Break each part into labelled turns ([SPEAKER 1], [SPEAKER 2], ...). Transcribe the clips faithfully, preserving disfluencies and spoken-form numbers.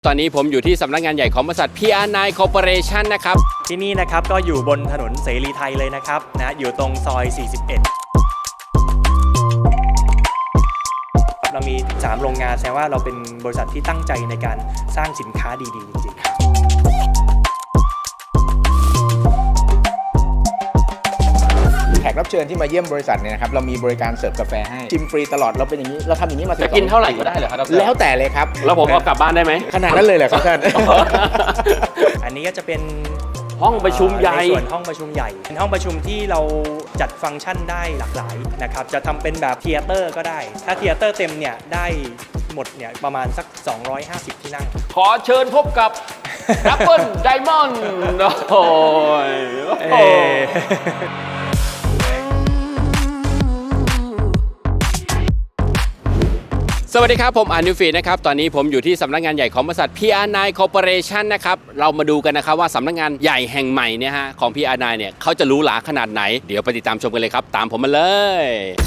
[SPEAKER 1] ตอนนี้ผมอยู่ที่สำนักงานใหญ่ของบริษัท พี อาร์ ไนน์ Corporation นะครับ
[SPEAKER 2] ที่นี่นะครับก็อยู่บนถนนเสรีไทยเลยนะครับนะอยู่ตรงซอย สี่สิบเอ็ด เรามีสามโรงงานแสดงว่าเราเป็นบริษัทที่ตั้งใจในการสร้างสินค้าดีๆจริงๆ
[SPEAKER 3] แขกรับเชิญที่มาเยี่ยมบริษัทเนี่ยนะครับเรามีบริการเสิร์ฟกาแฟให้ชิมฟรีตลอดเราเป็นอย่างนี้เราทำอย่างนี้มาสิบ
[SPEAKER 1] จะกินเท่าไหร่ก็ได้เหรอครับ
[SPEAKER 3] แล้วแต่เลยครับ
[SPEAKER 1] แล้วผมเอากลับบ้านได้ไหม
[SPEAKER 3] ขนาดนั้นเลยเหรอครับท่าน
[SPEAKER 2] อันนี้ก็จะเป็น
[SPEAKER 1] ห้องประชุมใหญ่
[SPEAKER 2] ในส่วนห้องประชุมใหญ่เป็นห้องประชุมที่เราจัดฟังก์ชันได้หลากหลายนะครับจะทำเป็นแบบเธียเตอร์ก็ได้ถ้าเธียเตอร์เต็มเนี่ยได้หมดเนี่ยประมาณสักสองร้อยห้าสิบที่นั่ง
[SPEAKER 1] ขอเชิญพบกับ Apple Diamond โอ้ยสวัสดีครับผมอานุฟีนะครับตอนนี้ผมอยู่ที่สำนักงานใหญ่ของบริษัท พี อาร์ ไนน์ Corporation นะครับเรามาดูกันนะครับว่าสำนักงานใหญ่แห่งใหม่เนี่ยฮะของ พี อาร์ ไนน์ เนี่ยเขาจะหรูหราขนาดไหนเดี๋ยวไปติดตามชมกันเลยครับตามผมมาเลย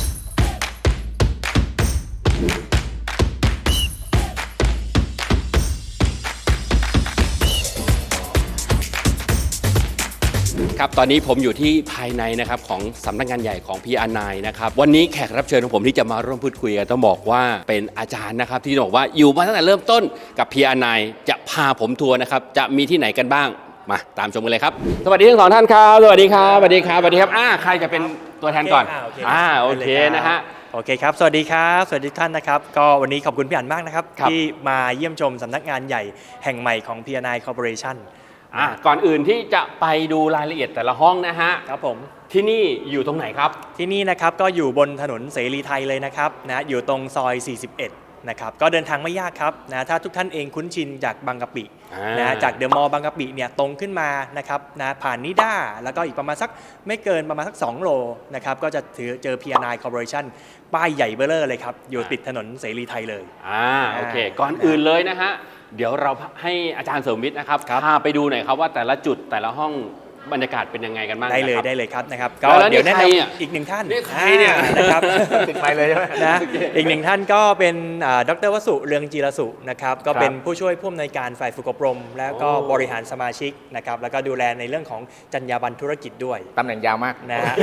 [SPEAKER 1] ครับตอนนี้ผมอยู่ที่ภายในนะครับของสำนักงานใหญ่ของ พี อาร์ ไนน์ นะครับวันนี้แขกรับเชิญของผมที่จะมาร่วมพูดคุยกันต้องบอกว่าเป็นอาจารย์นะครับที่บอกว่าอยู่มาตั้งแต่เริ่มต้นกับ พี อาร์ ไนน์ จะพาผมทัวร์นะครับจะมีที่ไหนกันบ้างมาตามชมกันเลยครับสวัสดีทั้งสองท่านครับสวัสดีครับสวัสดีครับสวัสดีครับอ่าใครจะเป็นตัวแทนก่อนอ่าโอเคนะฮะ
[SPEAKER 2] โอเคครับสวัสดีครับสวัสดีท่านนะครับก็วันนี้ขอบคุณพี่อั๋นมากนะครับที่มาเยี่ยมชมสำนักงานใหญ่แห่งใหม่ของ พี อาร์ ไนน์ Corporation
[SPEAKER 1] อ่ะก่อนอื่นที่จะไปดูรายละเอียดแต่ละห้องนะฮะ
[SPEAKER 2] ครับผม
[SPEAKER 1] ที่นี่อยู่ตรงไหนครับ
[SPEAKER 2] ที่นี่นะครับก็อยู่บนถนนเสรีไทยเลยนะครับนะอยู่ตรงซอย สี่สิบเอ็ด นะครับก็เดินทางไม่ยากครับนะถ้าทุกท่านเองคุ้นชินจากบางกะปินะจากเดอะมอลล์บางกะปิเนี่ยตรงขึ้นมานะครับนะผ่านนิด้าแล้วก็อีกประมาณสักไม่เกินประมาณสักสองโลนะครับก็จะถือเจอ พี อาร์ ไนน์ Corporation ป้ายใหญ่เบ้อเร่อเลยครับอยู่ติดถนนเสรีไทยเลย
[SPEAKER 1] อ่าโอเคก่อนอื่นเลยนะฮะเดี๋ยวเราให้อาจารย์เสริมวิทย์นะครับพาไปดูหน่อยครับว่าแต่ละจุดแต่ละห้องบรรยากาศเป็นยังไงกันบ้าง
[SPEAKER 2] ได้เลยได้เลยครับนะครับก็เดี๋ยวแนะนำอีกหนึ่งท่าน
[SPEAKER 1] ใครเนี่ย
[SPEAKER 2] นะครับ
[SPEAKER 3] ติดไปเลยใช่ไหม
[SPEAKER 2] นะอีกหนึ่งท่านก็เป็นดร.วสุเรืองจีรสุนะครับก็เป็นผู้ช่วยผู้อำนวยการฝ่ายฝึกอบรมแล้วก็บริหารสมาชิกนะครับแล้วก็ดูแลในเรื่องของจรรยาบรรณธุรกิจด้วย
[SPEAKER 3] ตำแหน่งยาวมาก
[SPEAKER 2] นะฮะ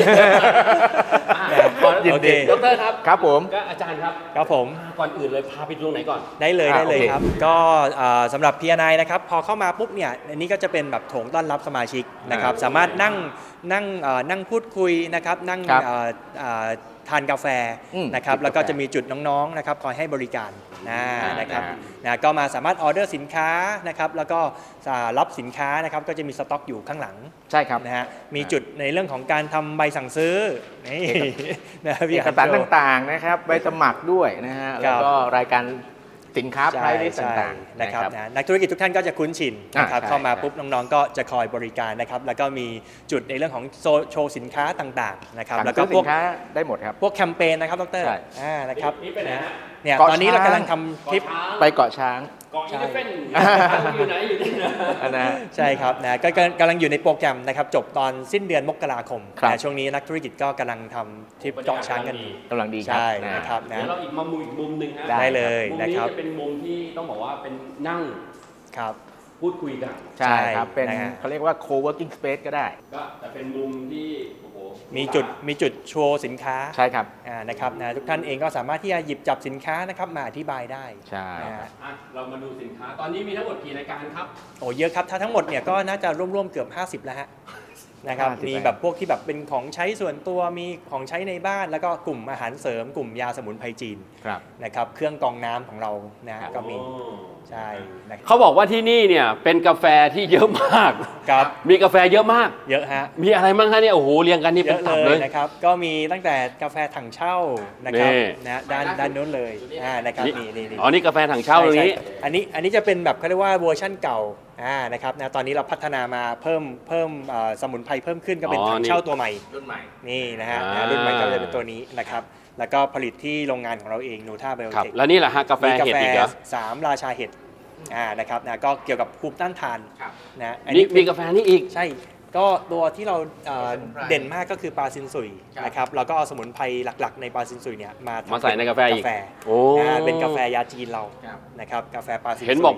[SPEAKER 1] โอเคดร.ครับ
[SPEAKER 3] ครับผม
[SPEAKER 1] ก็อาจารย์ครับ
[SPEAKER 2] ครับผม
[SPEAKER 1] ก่อนอื่นเลยพาไปตรงไหนก่อน
[SPEAKER 2] ได้เลยได้เลยครับก็สำหรับ พี อาร์ ไนน์ นะครับพอเข้ามาปุ๊บเนี่ยอันนี้ก็จะเป็นแบบโถงต้อนรับสมาชิกนะครับสามารถนั่งนั่งนั่งพูดคุยนะครับนั่งทานกาแฟนะครับแล้วก็จะมีจุดน้องๆนะครับคอยให้บริการนะครับนะก็มาสามารถออเดอร์สินค้านะครับแล้วก็รับสินค้านะครับก็จะมีสต็อกอยู่ข้างหลัง
[SPEAKER 3] ใช่ครับ
[SPEAKER 2] นะฮะมีจุดในเรื่องของการทำใบสั่งซื้อนี่
[SPEAKER 3] นะเอกสารต่างๆนะครับใบสมัครด้วยนะฮะแล้วก็รายการสินค้าไพรส์ต่างๆ
[SPEAKER 2] นะครับนักธุรกิจทุกท่านก็จะคุ้นชินนะครับเข้ามาปุ๊บน้องๆก็จะคอยบริการนะครับแล้วก็มีจุดในเรื่องของโชว์สินค้าต่างๆนะครับแล้วก็พวก
[SPEAKER 3] ได้หมดครับ
[SPEAKER 2] พวกแคมเปญนะครับดร.อ่านะครับเนี่ยตอนนี้เรากำลังทำคลิป
[SPEAKER 3] ไปเกาะช้าง
[SPEAKER 1] เกาะอีเลฟเฟ่นอยู่ไหนอยู่ที่ไหน
[SPEAKER 2] นะใช่ครับนะก็กำลังอยู่ในโปรแกรมนะครับจบตอนสิ้นเดือนมกราคมนะช่วงนี้นักธุรกิจก็กำลังทำทริปเกาะช้างกัน
[SPEAKER 3] กำลังดี
[SPEAKER 2] ใช่นะครับ
[SPEAKER 1] นะเดี๋ยวเราอีกมุมอีกมุมหนึ่งฮะ
[SPEAKER 2] ได้เลยนะครับ
[SPEAKER 1] มุมนี้จะเป็นมุมที่ต้องบอกว่าเป็นนั่ง
[SPEAKER 2] ครับ
[SPEAKER 1] พูดคุยกัน
[SPEAKER 3] ใช่ครับเป็นเขาเรียกว่า co-working space ก็ได้
[SPEAKER 1] ก็แต่เป็นมุมที่
[SPEAKER 2] มีจุดมีจุดโชว์สินค้า
[SPEAKER 3] ใช่ครับ
[SPEAKER 2] อ่านะครับนะทุกท่านเองก็สามารถที่จะหยิบจับสินค้านะครับมาอธิบายได้
[SPEAKER 3] ใช่
[SPEAKER 1] เรามาดูสินค้าตอนนี้มีทั้งหมดกี่รายการครับ
[SPEAKER 2] โอ้เยอะครับถ้าทั้งหมดเนี่ยก็น่าจะร่วมๆเกือบห้าสิบแล้วฮะนะครับมีแบบพวกที่แบบเป็นของใช้ส่วนตัวมีของใช้ในบ้านแล้วก็กลุ่มอาหารเสริมกลุ่มยาสมุนไพรจีนนะครับเครื่องกรองน้ำของเรานะก็มีใช่
[SPEAKER 1] เขาบอกว่าที่นี่เนี่ยเป็นกาแฟที่เยอะมาก
[SPEAKER 2] ครับ
[SPEAKER 1] มีกาแฟเยอะมาก
[SPEAKER 2] เยอะฮะ
[SPEAKER 1] มีอะไรบ้างคะเนี่ยโอ้โหเรียงกันนี่เป็นตับเลย
[SPEAKER 2] นะครับก็มีตั้งแต่กาแฟถังเช่านะครับนะด้านด้านนู้นเลยอ่านะครับนี่นี่
[SPEAKER 1] อ๋อนี่กาแฟถังเช่าตรงนี้
[SPEAKER 2] อันนี้อันนี้จะเป็นแบบเขาเรียกว่าเวอร์ชั่นเก่าอ่านะครับนะตอนนี้เราพัฒนามาเพิ่มเพิ่มสมุนไพรเพิ่มขึ้นก็เป็นถังเช่าตัวใหม่
[SPEAKER 3] รุ่นใหม่
[SPEAKER 2] นี่นะฮะรุ่นใหม่ก็จะเป็นตัวนี้นะครับแล้วก็ผลิตที่โรงงานของเราเองนูท่าไบโอเทค
[SPEAKER 1] แล้วนี่แหละฮะกาแฟเห็ดอีกเหรอ
[SPEAKER 2] สามราชาเห็ดอ่านะครับนะก็เกี่ยวกับภูมิต้านทาน
[SPEAKER 1] นะอันนี้มีกาแฟนี่อีก
[SPEAKER 2] ใช่ก็ตัวที่เราเด่นมากก็คือปลาซินซุยนะครับเราก็เอาสมุนไพรหลักๆในปลาซินซุยเนี่ยมา
[SPEAKER 1] มาใส่ในกาแฟอีก
[SPEAKER 2] โอ้เป็นกาแฟยาจีนเรานะครับกาแฟปลาซินซุย
[SPEAKER 1] เห็นบอก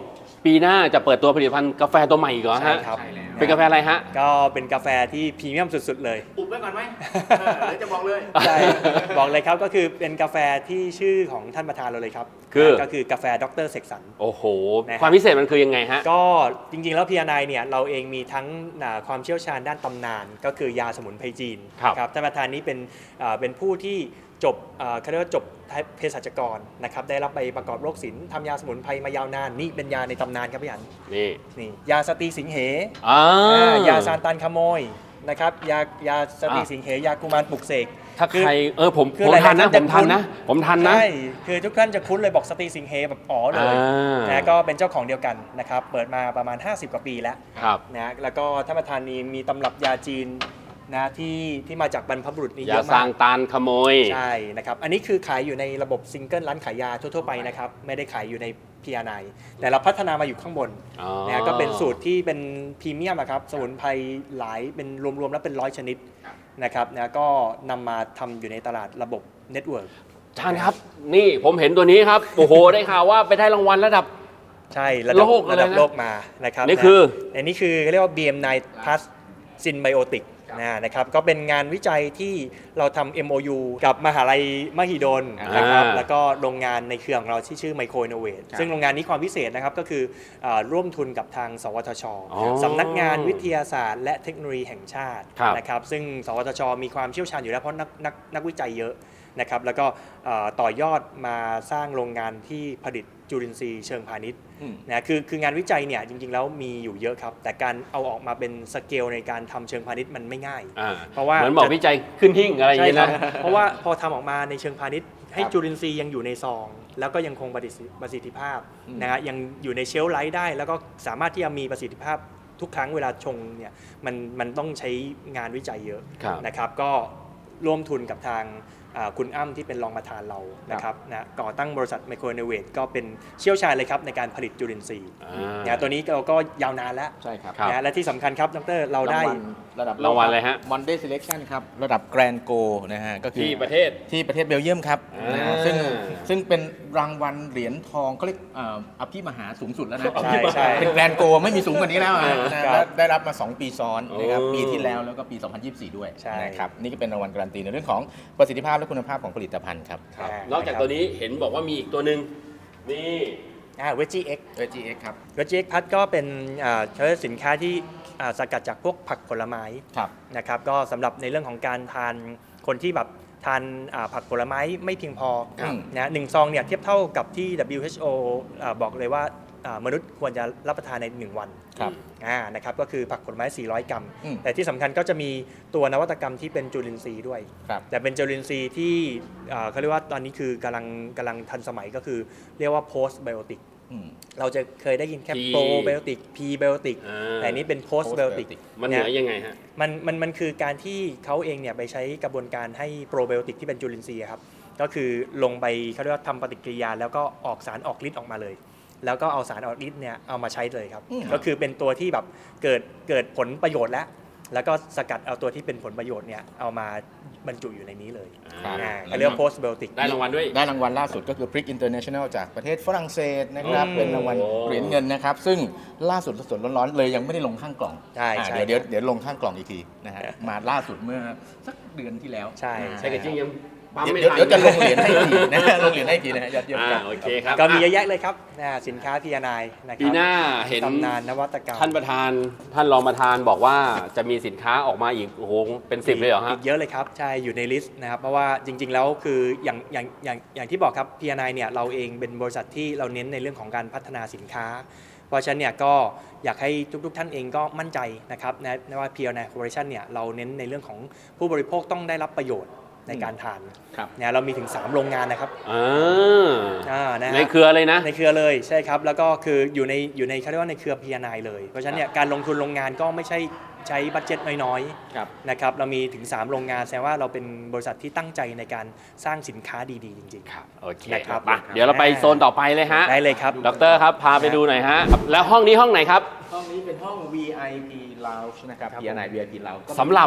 [SPEAKER 1] ปีหน้าจะเปิดตัวผลิตภัณฑ์กาแฟตัวใหม่อีกเหรอ
[SPEAKER 2] ใช่
[SPEAKER 1] ฮะ
[SPEAKER 2] ครับ
[SPEAKER 1] เป็นกาแฟอะไรฮะ
[SPEAKER 2] ก็เป็นกาแฟที่พรีเมียมสุดๆเลย
[SPEAKER 3] อุบไว้ก่อนไหมเออเดี๋ยวจะบอกเลย
[SPEAKER 2] ใช่บอกเลยครับก็คือเป็นกาแฟที่ชื่อของท่านประธานเราเลยครับ
[SPEAKER 1] คือ
[SPEAKER 2] ก็คือกาแฟดรเสกสรร
[SPEAKER 1] โอ้โห
[SPEAKER 2] นะครับ
[SPEAKER 1] ความพิเศษมันคือยังไงฮะ
[SPEAKER 2] ก็จริงๆ แล้วพีอาร์ไนเนี่ยเราเองมีทั้งอ่าความเชี่ยวชาญด้านตำนาน ก็คือยาสมุนไพรจีน
[SPEAKER 1] ครับ
[SPEAKER 2] นะครับท่านประธานนี้เป็นอ่าเป็นผู้ที่จบอ่าเขาเรียกว่าจบเภสัชกรนะครับได้รับใบประกอบโรคศิลป์ทำยาสมุนไพรมายาวนานนี่เป็นยาในตำนานครับพี่อัน
[SPEAKER 1] นี่
[SPEAKER 2] นี่ยาสตรีสิงเห
[SPEAKER 1] อ่า
[SPEAKER 2] อ่ายาซานตันขโมยนะครับยายาสตรีสิงเหยากุมารปลุกเสก
[SPEAKER 1] ถ้า
[SPEAKER 2] คือ
[SPEAKER 1] ใครเออผม
[SPEAKER 2] คือ
[SPEAKER 1] ผม
[SPEAKER 2] หลายๆ
[SPEAKER 1] ทันนะ
[SPEAKER 2] ท่าน
[SPEAKER 1] ผม
[SPEAKER 2] จะ
[SPEAKER 1] ทัน
[SPEAKER 2] คุ้น
[SPEAKER 1] นะ ผมทันนะ
[SPEAKER 2] ใช่คือทุกท่านจะคุ้นเลยบอกสตรีสิงเหแบบอ๋อเลย
[SPEAKER 1] อ่า
[SPEAKER 2] นะก็เป็นเจ้าของเดียวกันนะครับเปิดมาประมาณ ห้าสิบ กว่าปีแล้ว
[SPEAKER 1] ครับ
[SPEAKER 2] นะแล้วก็ท่านประธานนี้มีตำรับยาจีนนะที่ที่มาจากบรรพบุรุษนี่
[SPEAKER 1] อ
[SPEAKER 2] เย
[SPEAKER 1] ย่า
[SPEAKER 2] อะ
[SPEAKER 1] สร้าม
[SPEAKER 2] าง ก
[SPEAKER 1] ตานขโมย
[SPEAKER 2] ใช่นะครับอันนี้คือขายอยู่ในระบบซิงเกิลร้านขายยาทั่วๆไปนะครับไม่ได้ขายอยู่ใน พี อาร์ ไน แต่เราพัฒนามาอยู่ข้างบน
[SPEAKER 1] อ๋อ
[SPEAKER 2] นะก็เป็นสูตรที่เป็นพรีเมียมอะครับสมุนไพรหลายเป็นรวมๆแล้วเป็นร้อยชนิดนะครับนะก็นำมาทำอยู่ในตลาดระบบเน็ตเวิร์ก
[SPEAKER 1] ท่านครับ นี่ผมเห็นตัวนี้ครับ โอ้โห ได้ข่าวว่าไปได้รางวัลระดับ
[SPEAKER 2] ใช่ระดับ
[SPEAKER 1] โลกเลยนะ
[SPEAKER 2] ระดับโลกมานะครับ
[SPEAKER 1] นี่คือ
[SPEAKER 2] นะอันนี้คือเรียกว่า บี เอ็ม ไนน์ Plus Synbiotic นะนะครับก็เป็นงานวิจัยที่เราทำ เอ็ม โอ ยู กับมหาลัยมหิดลนะครับ
[SPEAKER 1] อ่า
[SPEAKER 2] แล้วก็โรงงานในเครือของเราที่ชื่อ Micro Innovate ซึ่งโรงงานนี้ความพิเศษนะครับก็คืออาร่วมทุนกับทางสวทช
[SPEAKER 1] อ๋อ
[SPEAKER 2] สำนักงานวิทยาศาสตร์ และเทคโนโลยีแห่งชาติ
[SPEAKER 1] ครับ
[SPEAKER 2] นะครับซึ่งสวทช มีความเชี่ยวชาญอยู่แล้วเพราะนักนักนักวิจัยเยอะนะครับแล้วก็เอ่อต่อยอดมาสร้างโรงงานที่ผลิตจุลินทรีย์เชิงพาณิชย์
[SPEAKER 3] อืม
[SPEAKER 2] นะคือคืองานวิจัยเนี่ยจริงๆแล้วมีอยู่เยอะครับ แต่การเอาออกมาเป็นสเกลในการทำเชิงพาณิชย์มันไม่ง่าย
[SPEAKER 1] อ่า
[SPEAKER 2] เพราะว่า
[SPEAKER 1] เหมือนบอกวิจัยขึ้นหิ้งอะไรอย่าง
[SPEAKER 2] ใช่
[SPEAKER 1] เงี้ย
[SPEAKER 2] ครับ
[SPEAKER 1] นะ
[SPEAKER 2] เพราะว่าพอทำออกมาในเชิงพาณิชย์ให้
[SPEAKER 3] ครับ
[SPEAKER 2] จุลินทรีย์ยังอยู่ในซอง แล้วก็ยังคงประสิทธิประสิทธิภาพ
[SPEAKER 3] อืม
[SPEAKER 2] นะฮะยังอยู่ในเชลฟ์ไลท์ได้ แล้วก็สามารถที่จะมีประสิทธิภาพทุกครั้งเวลาชงเนี่ยมันมันต้องใช้งานวิจัยเยอะ
[SPEAKER 1] ครับ
[SPEAKER 2] นะครับก็ร่วมทุนกับทางอ่าคุณอ้ำที่เป็นรองประธานเรานะครับนะก่อตั้งบริษัท Micro Innovate ก็เป็นเชี่ยวชาญเลยครับในการผลิตจุลินทรีย์
[SPEAKER 1] อ่า
[SPEAKER 2] นะตัวนี้เราก็ยาวนานแล้ว
[SPEAKER 3] ใช่ครับ
[SPEAKER 1] ครับ
[SPEAKER 2] นะและที่สำคัญครับดรเราได้
[SPEAKER 3] รางวัลระดับ
[SPEAKER 1] รางวัลอะไรฮะ
[SPEAKER 3] วันเดย์ selection ครับ ระดับแกรนโกนะฮะก็คือ
[SPEAKER 1] ที่ประเทศ
[SPEAKER 3] ที่ประเทศเบลเยียมครับ
[SPEAKER 1] อ่าน
[SPEAKER 3] นะฮะซึ่งซึ่งเป็นรางวัลเหรียญทองเขาเรียกเอ่ออภิมหาสูงสุดแล้วนะ
[SPEAKER 2] ใช่ใช่
[SPEAKER 3] เป็นแกรนโกไม่มีสูงกว่านี้แล้วอะนะ
[SPEAKER 2] ครั
[SPEAKER 3] และ
[SPEAKER 2] บ
[SPEAKER 3] ได้รับมา สอง ปีซ้อนนะครับ
[SPEAKER 1] โอ้
[SPEAKER 3] ปีที่แล้วแล้วก็ปี สองพันยี่สิบสี่ ด้วย
[SPEAKER 2] ใช่
[SPEAKER 3] นะครับนี่ก็เป็นรางวัลการันตีในเรื่องของประสิทธิภาพและคุณภาพของผลิตภัณฑ์ครับ
[SPEAKER 2] ครับ
[SPEAKER 1] นอกจากตัวนี้เห็นบอกว่ามีอีกตัวหนึ่งนี่
[SPEAKER 2] อ่าเวจีเอ็ก
[SPEAKER 3] เอ จี เอ็กซ์ ครับ
[SPEAKER 2] เวจีเอ็กพัดก็เป็นอ่าใช้สินค้าที่อ่าสกัดจากพวกผักผลไม้
[SPEAKER 3] ครับ
[SPEAKER 2] นะครับก็สำหรับในเรื่องของการทานคนที่แบบทานอ่าผักผลไม้ไม่เพียงพอ
[SPEAKER 3] ครับ
[SPEAKER 2] นะหนึ่งซองเนี่ยเทียบเท่ากับที่ ดับเบิลยู เอช โอ อ่าบอกเลยว่าอ่ามนุษย์ควรจะรับประทานในหนึ่งวัน
[SPEAKER 3] ครับ
[SPEAKER 2] อ่านะครับก็คือผักผลไม้ สี่ร้อย กรัม
[SPEAKER 3] อืม
[SPEAKER 2] แต่ที่สำคัญก็จะมีตัวนวัตกรรมที่เป็นจุลินทรีย์ด้วย
[SPEAKER 3] ครับ
[SPEAKER 2] แต่เป็นจุลินทรีย์ที่อ่าเขาเรียกว่าตอนนี้คือกำลังกำลังทันสมัยก็คือเรียกว่า post biotic
[SPEAKER 3] อืม
[SPEAKER 2] เราจะเคยได้ยินแค่
[SPEAKER 1] P
[SPEAKER 2] probiotic prebiotic
[SPEAKER 1] อ่า
[SPEAKER 2] แต่อันนี้เป็น post biotic
[SPEAKER 3] postbiotic
[SPEAKER 1] มันเหนือยังไงฮะ
[SPEAKER 2] มันมันมันคือการที่เขาเองเนี่ยไปใช้กระบวนการให้โปรไบโอติกที่เป็นจุลินทรีย์อะครับก็คือลงไปเขาเรียกว่าทำปฏิกิริยา แล้วก็ออกสารออกฤทธิ์ออกมาเลย แล้วก็เอาสารออกฤทธิ์เนี่ยเอามาใช้เลยครับ
[SPEAKER 3] อืม
[SPEAKER 2] ก็คือเป็นตัวที่แบบเกิดเกิดผลประโยชน์แล้ว แล้วก็สกัดเอาตัวที่เป็นผลประโยชน์เนี่ยเอามาบรรจุอยู่ในนี้เลย
[SPEAKER 1] อ่า
[SPEAKER 2] อ่าเขาเรียกว่า post biotic
[SPEAKER 1] ได้รางวัลด้วย
[SPEAKER 3] ได้รางวัลล่าสุดก็คือ Prick International จากประเทศฝรั่งเศสนะครับ
[SPEAKER 2] อืม
[SPEAKER 3] เป็นรางวัลเหรียญเงินนะครับ ซึ่งล่าสุดสดๆร้อนๆเลยยังไม่ได้ลงข้างกล่อง
[SPEAKER 2] ใช่
[SPEAKER 3] อ่า
[SPEAKER 2] ใช่
[SPEAKER 3] เดี๋ยวเดี๋ยวเดี๋ยวลงข้างกล่องอีกทีนะฮะมาล่าสุดเมื่อสักเดือนที่แล้ว
[SPEAKER 2] ใช่
[SPEAKER 3] อ่า
[SPEAKER 1] ใช่กระจิ้งยังปั๊ม
[SPEAKER 3] เดี๋ยว
[SPEAKER 1] ไม่
[SPEAKER 3] เดี๋ยว
[SPEAKER 1] ทัน
[SPEAKER 3] เดี๋ยวจะลงเหรียญให้อีกนะฮะลงเหรียญให้อีกทีนะฮะยอดเยี่ยม
[SPEAKER 1] อ่า
[SPEAKER 3] ครับ
[SPEAKER 1] โอเคครับ
[SPEAKER 2] ก็มีเย
[SPEAKER 1] อ่ะ
[SPEAKER 2] อะแยะเลยครับอ่าสินค้า พี อาร์ ไน นะค
[SPEAKER 1] ปี
[SPEAKER 2] รับ
[SPEAKER 1] หน้าเห็น
[SPEAKER 2] ตำนานนวัตกรรม
[SPEAKER 1] ท่านประธานท่านรองประธานบอกว่าจะมีสินค้าออกมาอีกโอ้โหเป็นสิบเลยเหรอฮะ
[SPEAKER 2] อีกเยอะเลยครับใช่อยู่ในลิสต์นะครับเพราะว่าจริง ๆ แล้วคืออย่างอย่างอย่างอย่างที่บอกครับ พี อาร์ ไน เนี่ยเราเองเป็นบริษัทที่เราเน้นในเรื่องของการพัฒนาสินค้า เพราะฉะนั้นเนี่ยก็อยากให้ทุกๆท่านเองก็มั่นใจนะครับนะนะว่า พี อาร์ ไน Corporation เนี่ยเราเน้นในเรื่องของผู้บริโภคต้องได้รับประโยชน์ในการทาน
[SPEAKER 3] ครับ
[SPEAKER 2] เนี่ยเรามีถึงสามโรงงานนะครับ
[SPEAKER 1] อ่า
[SPEAKER 2] อ่านะฮะ
[SPEAKER 1] ในเครือเลยนะ
[SPEAKER 2] ในเครือเลยใช่ครับแล้วก็คืออยู่ในอยู่ในเขาเรียกว่าในเครือ พี อาร์ ไน เลยเพราะฉะนั้นเนี่ยการลงทุนโรงงานก็ไม่ใช่ใช้บัตเจ็ตน้อยๆ
[SPEAKER 3] ครับ
[SPEAKER 2] นะครับเรามีถึง สาม โรงงานแสดงว่าเราเป็นบริษัทที่ตั้งใจในการสร้างสินค้าดีๆ จริง
[SPEAKER 1] ครับโอเค
[SPEAKER 2] นะครับ
[SPEAKER 1] มาเดี๋ยวเราไปโซนต่อไปเลยฮะ
[SPEAKER 2] ๆ ได้เลยครับ
[SPEAKER 1] ดอกเตอรครับพาไปดูหน่อยฮะแล้วห้องนี้ห้องไหนครับ
[SPEAKER 3] ห้องนี้เป็นห้อง วี ไอ พี Lounge นะครับ
[SPEAKER 2] ครับ
[SPEAKER 3] พี อาร์ ไน วี ไอ พี Lounge ก็
[SPEAKER 1] สำหรับ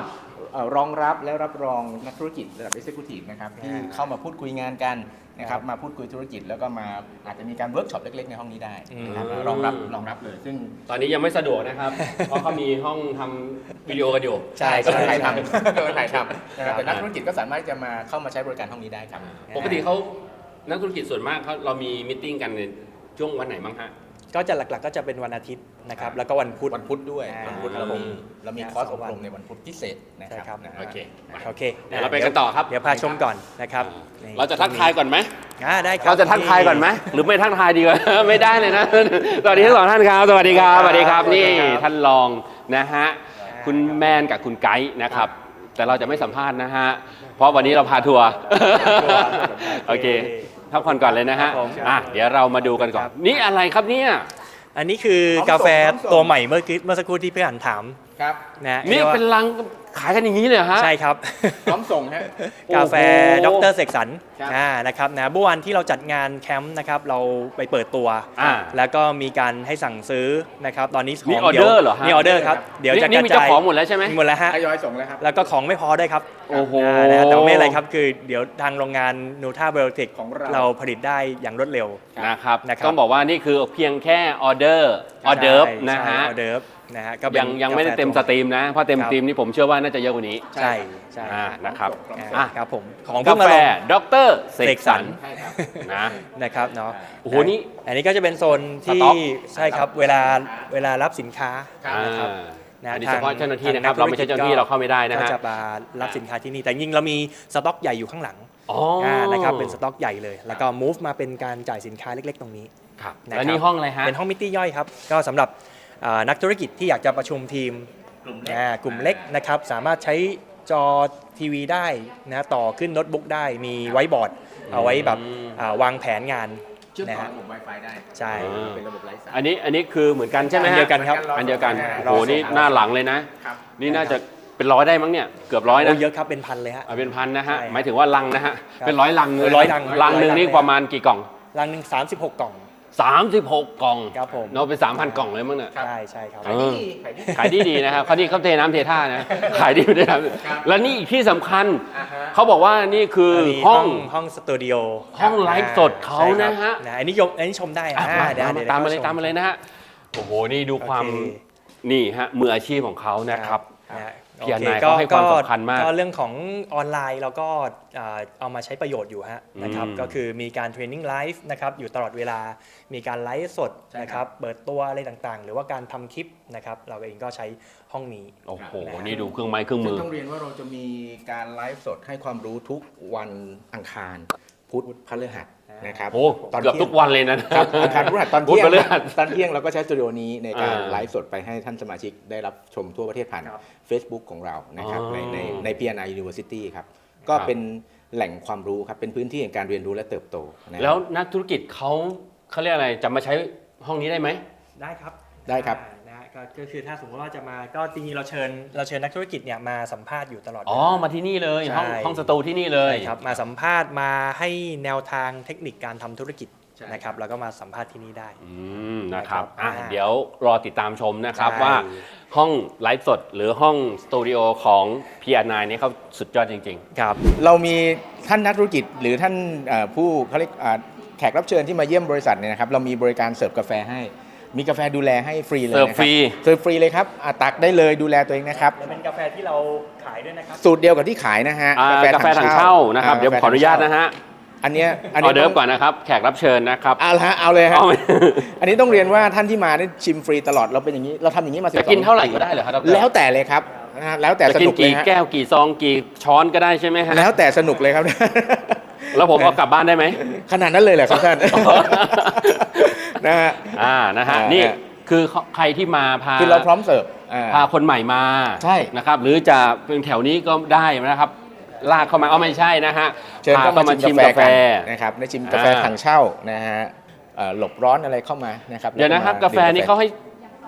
[SPEAKER 3] เอ่อรองรับและรับรองนักธุรกิจระดับ Executive นะครับที่เข้ามาพูดคุยงานกันนะครับมาพูดคุยธุรกิจแล้วก็มาอาจจะมีการเวิร์กช็อปเล็กๆในห้องนี้ได้นะครับ
[SPEAKER 1] อืม
[SPEAKER 3] รองรับรองรับเลยซึ่ง
[SPEAKER 1] ตอนนี้ยังไม่สะดวกนะครับ เพราะเขามีห้องทำวิดีโอกันอยู่
[SPEAKER 2] ใช่
[SPEAKER 3] ก็
[SPEAKER 2] ใช่
[SPEAKER 3] ถ่าย
[SPEAKER 2] ใช่
[SPEAKER 3] ทำก็ถ่ายทำนะครับแต่นักธุรกิจก็สามารถจะมาเข้ามาใช้บริการห้องนี้ได้ครับ
[SPEAKER 1] ปกติเขานักธุรกิจส่วนมากเขาเรามีมิทติ้งกันในช่วงวันไหนบ้างฮะ
[SPEAKER 2] ก็จะหลักๆก็จะเป็นวันอาทิตย์นะครับแล้วก็วันพุธ
[SPEAKER 3] วันพุธด้วย
[SPEAKER 2] อ่า
[SPEAKER 3] วันพุธ
[SPEAKER 2] ครั
[SPEAKER 3] เรา
[SPEAKER 2] บผม
[SPEAKER 3] มีเรามี
[SPEAKER 2] อ่า
[SPEAKER 3] คอร์ส
[SPEAKER 2] ส
[SPEAKER 3] อ
[SPEAKER 2] อง
[SPEAKER 3] บ
[SPEAKER 2] วัน
[SPEAKER 3] รมในวันพุธพิเศษนะ
[SPEAKER 2] ใช่
[SPEAKER 3] ค
[SPEAKER 2] ครั
[SPEAKER 3] รับ บนะ
[SPEAKER 1] โอเค
[SPEAKER 2] โอเค
[SPEAKER 1] เดี๋ยวเราไปกันต่อครับ
[SPEAKER 2] เดี๋ยวพาชมก่อนนะครับนี่
[SPEAKER 1] เราจะทักทายก่อนไหม
[SPEAKER 2] อ่าได้ครับ
[SPEAKER 1] เราจะทักทายก่อนไหมหรือไม่ทักทายดีกว่า ไม่ได้เลยนะ สวัสดีทั้งสองท่านครับ สวัสดีครับสวัสดีครับนี่ท่านรองนะฮะคุณแมนกับคุณไกด์นะครับ แต่เราจะไม่สัมภาษณ์นะฮะเพราะวันนี้เราพาทัวร์โอเคพักผ่อนก่อนเลยนะฮะอ่ะเดี๋ยวเรามาดูกันก่อนนี่อะไรครับเนี่ย
[SPEAKER 2] อันนี้คือกาแฟตัวใหม่เมื่อกี้เมื่อสักครู่ที่พี่หันถาม
[SPEAKER 3] ครับ
[SPEAKER 2] นะ
[SPEAKER 1] นี่เป็นลังขายกันอย่างนี้เลยเหรอฮะ
[SPEAKER 2] ใช่ครับ
[SPEAKER 3] พร้อมส่งฮะ
[SPEAKER 2] กาแฟ
[SPEAKER 1] โอ้
[SPEAKER 2] ด
[SPEAKER 1] โห
[SPEAKER 2] รเสกสรร
[SPEAKER 3] ครับ
[SPEAKER 2] อ่านะครับนะเมื่อวันที่เราจัดงานแคมป์นะครับเราไปเปิดตัว
[SPEAKER 1] อ่า
[SPEAKER 2] แล้วก็มีการให้สั่งซื้อนะครับตอนนี้ข
[SPEAKER 1] นี่
[SPEAKER 2] อง
[SPEAKER 1] ออเดอร์เหรอฮะ
[SPEAKER 2] นี่ออเดอร์ครับเดี๋ยวจะ
[SPEAKER 1] นี่
[SPEAKER 2] กระ
[SPEAKER 1] มี
[SPEAKER 2] จา
[SPEAKER 1] เจ้าย ของหมดแล้วใช่ไหม
[SPEAKER 2] หมดแล้วฮะ
[SPEAKER 3] ทยอยส่งแล้วครับ
[SPEAKER 2] แล้วก็ของไม่พอด้วยครับ
[SPEAKER 1] โอ้โห
[SPEAKER 2] านะฮะแต่ว่าไม่เป็นไรครับคือเดี๋ยวทางโรงงานนูท่าเบลติก
[SPEAKER 3] ของเรา
[SPEAKER 2] เราผลิตได้อย่างรวดเร็ว
[SPEAKER 1] นะครับ
[SPEAKER 2] นะครับ
[SPEAKER 1] ต้องบอกว่านี่คือเพียงแค่ออเดอร์ออเดิร์ฟนะฮะ
[SPEAKER 2] ใช่ออเดิร์ฟนะฮะก็เป็น
[SPEAKER 1] ยังยังไม่ได้เต็มสตรีมนะ เพราะเต็ม
[SPEAKER 2] ครับ
[SPEAKER 1] สตรีมนี่ผมเชื่อว่าน่าจะเยอะกว่านี้
[SPEAKER 2] ใช่ใช่
[SPEAKER 1] อ่านะครับ
[SPEAKER 2] อ่า
[SPEAKER 1] อ่ะ
[SPEAKER 2] ครับผมของ
[SPEAKER 1] กา
[SPEAKER 2] เพิ่งมา
[SPEAKER 1] แฟ
[SPEAKER 2] ลง
[SPEAKER 1] ดรเสกสรร
[SPEAKER 3] ใช่ครับ
[SPEAKER 1] นะ
[SPEAKER 2] นะครับเนาะ
[SPEAKER 1] โอ้โหนี่
[SPEAKER 2] อันนี้ก็จะเป็นโซน
[SPEAKER 1] ส
[SPEAKER 2] ที่
[SPEAKER 1] ต็อก
[SPEAKER 2] ใช่ครับเวลาเวลารับสินค้า
[SPEAKER 3] ครับ
[SPEAKER 2] นะครับ
[SPEAKER 1] อ่า
[SPEAKER 2] นะ
[SPEAKER 1] อันนี้
[SPEAKER 2] ท
[SPEAKER 1] เฉ
[SPEAKER 2] ง
[SPEAKER 1] พาะเจ้าหน้าที่นะครับ
[SPEAKER 2] ทง
[SPEAKER 1] เราไม่ใช่เจ้าหน้าที่
[SPEAKER 2] ก็
[SPEAKER 1] เราเข้าไม่ได้นะฮะ
[SPEAKER 2] ก็จะมารับสินค้าที่นี่แต่จริงๆเรามีสต็อกใหญ่อยู่ข้างหลัง
[SPEAKER 1] อ๋ออ่
[SPEAKER 2] านะครับเป็นสต็อกใหญ่เลย แล้วก็ move มาเป็นการจ่ายสินค้าเล็กๆ ตรงนี้
[SPEAKER 1] ครับ
[SPEAKER 2] นะครับ
[SPEAKER 1] แล้วนี่ห้องอะไรฮะ
[SPEAKER 2] เป็นห้องมิตี้ย่อยครับก็สำหรับอ่านักธุรกิจที่อยากจะประชุมทีม
[SPEAKER 3] กลุ่มเล็ก
[SPEAKER 2] อ่ากลุ่มเล็กนะครับสามารถใช้จอทีวีได้นะต่อขึ้นโน้ตบุ๊กได้มีไว้บอร์ดเอาไว้แบบ
[SPEAKER 1] อืม
[SPEAKER 2] อ่าวางแผนงาน
[SPEAKER 3] เชื่อม
[SPEAKER 2] นะ
[SPEAKER 3] ต่อ
[SPEAKER 2] ฮะ
[SPEAKER 3] ระบบ Wi-Fi ได้
[SPEAKER 2] ใช่
[SPEAKER 1] อ่า
[SPEAKER 3] เป็นระบบไร้สาย
[SPEAKER 1] อันนี้อันนี้คือเหมือนกันใช่ไหม
[SPEAKER 2] อัน
[SPEAKER 1] ฮะ
[SPEAKER 2] เดียวกันครับ
[SPEAKER 1] อันเดียวกัน
[SPEAKER 2] รอ
[SPEAKER 1] โอ้โหนี่
[SPEAKER 2] ส่ง
[SPEAKER 1] หน้าหลังเลยนะ
[SPEAKER 3] ครับ
[SPEAKER 1] นี่น่าจะเป็นร้อยได้มั้งเนี่ยเกือบร้อย
[SPEAKER 2] โอ้
[SPEAKER 1] นะ
[SPEAKER 2] เยอะครับเป็นพันเลยฮะ
[SPEAKER 1] เอาเป็นพันนะฮะ
[SPEAKER 2] ใช่
[SPEAKER 1] หมายถึงว่าลังนะฮะ
[SPEAKER 2] ครับ
[SPEAKER 1] เป็นร้อยลังเลย
[SPEAKER 2] ร้อยลัง
[SPEAKER 1] ลังหนึ่ง
[SPEAKER 2] ร้อยลัง
[SPEAKER 1] นี่
[SPEAKER 2] เลย
[SPEAKER 1] ประมาณกี่กล่อง
[SPEAKER 2] รังหนึ่งสามสิบหกกล่อง
[SPEAKER 1] สามสิบหกกล่อง
[SPEAKER 2] ครับผม
[SPEAKER 1] เนาะเป็นสามพันกล่องเลยมั้งเนี่ย
[SPEAKER 2] ใช่ใช่ครับ
[SPEAKER 1] เออ
[SPEAKER 3] ขายดี
[SPEAKER 1] ขายดีดีๆนะครับเขาที่เขาเทน้ำเทท่านะ ขายดีไม่ได้ครับ
[SPEAKER 3] ครับ
[SPEAKER 1] แล้วนี่อีกที่สำคัญ
[SPEAKER 3] อ่าฮะ
[SPEAKER 1] เขาบอกว่านี่คือ
[SPEAKER 2] อันนี้
[SPEAKER 1] ห้อง
[SPEAKER 2] ห้องสตูดิโอ
[SPEAKER 1] ห้องไลฟ์สดเขา
[SPEAKER 2] ใช่ครับ
[SPEAKER 1] นะฮะ
[SPEAKER 2] นะอันนี้ยกอันนี้ชมได้
[SPEAKER 1] อ่ะ
[SPEAKER 2] อ่า
[SPEAKER 1] มา
[SPEAKER 2] เดี๋ยว
[SPEAKER 1] มา
[SPEAKER 2] เดี๋ยว
[SPEAKER 1] ตามมาเลย
[SPEAKER 2] ช
[SPEAKER 1] ตามมาเลยนะฮะโอ้โหนี่ดูความ
[SPEAKER 2] โอเค
[SPEAKER 1] นี่ฮะมืออาชีพของเขานะครับ
[SPEAKER 2] นะฮะ
[SPEAKER 1] พี่อ
[SPEAKER 2] โอเค
[SPEAKER 1] นายเขาให้ความสำคัญมาก
[SPEAKER 2] ก็เรื่องของออนไลน์เราก็อ่าเอามาใช้ประโยชน์อยู่ฮะนะครับ
[SPEAKER 1] อืม
[SPEAKER 2] ก็คือมีการเทรนนิ่งไลฟ์นะครับอยู่ตลอดเวลามีการไลฟ์สดนะครับเปิดตัวอะไรต่างๆ หรือว่าการทำคลิปนะครับเราเองก็ใช้ห้องนี้
[SPEAKER 1] โอ้โห
[SPEAKER 2] นะฮะ
[SPEAKER 1] นี่ดูเครื่องไม้เครื่อง
[SPEAKER 3] ซึ่
[SPEAKER 1] มื
[SPEAKER 3] ง
[SPEAKER 1] อ
[SPEAKER 3] ต้องเรียนว่าเราจะมีการไลฟ์สดให้ความรู้ทุกวันอังคาร พุธพฤหัสนะครับ
[SPEAKER 1] โอ้
[SPEAKER 3] ตอน
[SPEAKER 1] เกือบ
[SPEAKER 3] ที่ยง
[SPEAKER 1] ทุกวันเลยนะ
[SPEAKER 3] ครับอังคารพฤหัสตอน
[SPEAKER 1] พุธ
[SPEAKER 3] เที่ยง
[SPEAKER 1] พฤหัส
[SPEAKER 3] ตอนเที่ยงเราก็ใช้สตูดิโอนี้ในการ
[SPEAKER 1] อ่า
[SPEAKER 3] ไลฟ์สดไปให้ท่านสมาชิกได้รับชมทั่วประเทศผ่าน
[SPEAKER 2] ครับ
[SPEAKER 3] Facebook ของเรานะครับ
[SPEAKER 1] อ๋อ
[SPEAKER 3] ในในใน พี เอ็น ไอ University ครับ ก็
[SPEAKER 1] ครับ
[SPEAKER 3] เป็นแหล่งความรู้ครับ เป็นพื้นที่แห่งการเรียนรู้และเติบโตนะครับ
[SPEAKER 1] แล้วนักธุรกิจเขาเขาเรียกอะไรจะมาใช้ห้องนี้ได้ไหม
[SPEAKER 2] ได้ครับ
[SPEAKER 3] ได้ครับ
[SPEAKER 2] อ่านะฮะก็ก็คือถ้าสมมติว่าจะมาก็จริงๆเราเชิญเราเชิญนักธุรกิจเนี่ยมาสัมภาษณ์อยู่ตลอด
[SPEAKER 1] อ๋อ
[SPEAKER 2] เวลา
[SPEAKER 1] มาที่นี่เลย
[SPEAKER 2] ใช่
[SPEAKER 1] ห้องห้องสตูที่นี่เลย
[SPEAKER 2] ใช่ครับมาสัมภาษณ์มาให้แนวทางเทคนิคการทำธุรกิจ
[SPEAKER 3] ใช่
[SPEAKER 2] นะครับแล้วก็มาสัมภาษณ์ที่นี่ได้
[SPEAKER 1] อืมนะครับ
[SPEAKER 2] นะครับ
[SPEAKER 1] อ่ะ
[SPEAKER 2] อ่า
[SPEAKER 1] เดี๋ยวรอติดตามชมนะครับ
[SPEAKER 2] ใช่
[SPEAKER 1] ว่าห้องไลฟ์สดหรือห้องสตูดิโอของ พี อาร์ ไนน์ เนี่ยเขาสุดยอดจริง
[SPEAKER 2] ครับ
[SPEAKER 3] เรามีท่านนักธุรกิจหรือท่านเอ่อผู้เขาเรียกอ่าแขกรับเชิญที่มาเยี่ยมบริษัทเนี่ยนะครับเรามีบริการเสิร์ฟกาแฟให้ มีกาแฟดูแลให้ฟรีเลย
[SPEAKER 1] เสิร์ฟ
[SPEAKER 3] นะค
[SPEAKER 1] ฟรี
[SPEAKER 3] เสิร์ฟฟรีเลยครับอ่ะตักได้เลยดูแลตัวเองนะครับ
[SPEAKER 2] และเป็นกาแฟที่เราขายด้วยนะครับ
[SPEAKER 3] สูตรเดียวกับที่ขายนะฮะ
[SPEAKER 1] ๆอ่ากาแฟถังเช่านะครับ เดี๋ยวขออนุญาตนะฮะ
[SPEAKER 3] อันเนี้ยอัน
[SPEAKER 1] อ
[SPEAKER 3] นี้
[SPEAKER 1] อเดิร์ฟก่อนนะครับ แขกรับเชิญนะครับ
[SPEAKER 3] เอาละฮะเอาเลยครับ
[SPEAKER 1] เอาไหม
[SPEAKER 3] อันนี้ต้องเรียนว่าท่านที่มาได้ชิมฟรีตลอดเราเป็นอย่างนี้เราทำอย่างนี้มาสิบ
[SPEAKER 1] จะ
[SPEAKER 3] สอง
[SPEAKER 1] กินเท่าไหร่ก็ได้เหรอครับดร
[SPEAKER 3] แล้วแต่เลยครับนะฮะแล้วแต่
[SPEAKER 1] จะ
[SPEAKER 3] ส
[SPEAKER 1] กิน
[SPEAKER 3] นุกเลย
[SPEAKER 1] กี่
[SPEAKER 3] ฮะ
[SPEAKER 1] แก้วกี่ซองกี่ช้อนก็ได้ใช่ไหมฮะ
[SPEAKER 3] แล้วแต่สนุกเลยครับ
[SPEAKER 1] แล้วผมเอากลับบ้านได้ไหม
[SPEAKER 3] ขนาดนั้นเลยเหรอครับท่านนะฮะ
[SPEAKER 1] อ่านะฮะ
[SPEAKER 3] อ่านี่
[SPEAKER 1] นี่คือใครที่มาพา
[SPEAKER 3] คือเราพร้อมเสิร์ฟอ่า
[SPEAKER 1] พาคนใหม่มา
[SPEAKER 3] ใช่
[SPEAKER 1] นะครับหรือจะเป็นแถวนี้ก็ได้นะครับ ลากเข้ามาเอาไม่ใช่นะฮะ
[SPEAKER 3] เชิญ
[SPEAKER 1] พา
[SPEAKER 3] เข้า
[SPEAKER 1] เข้า
[SPEAKER 3] มา
[SPEAKER 1] มา
[SPEAKER 3] ชิ
[SPEAKER 1] ชิ
[SPEAKER 3] ม
[SPEAKER 1] ม
[SPEAKER 3] กาก
[SPEAKER 1] า
[SPEAKER 3] แฟ
[SPEAKER 1] แฟ
[SPEAKER 3] กันนะครับได้ชิมกาแฟ
[SPEAKER 1] อ่า
[SPEAKER 3] ถังเช่านะฮะเอ่อหลบร้อนอะไรเข้ามานะครับ
[SPEAKER 1] เดี๋ยวนะครับ
[SPEAKER 3] แล้
[SPEAKER 1] กาแฟนี่เขาให้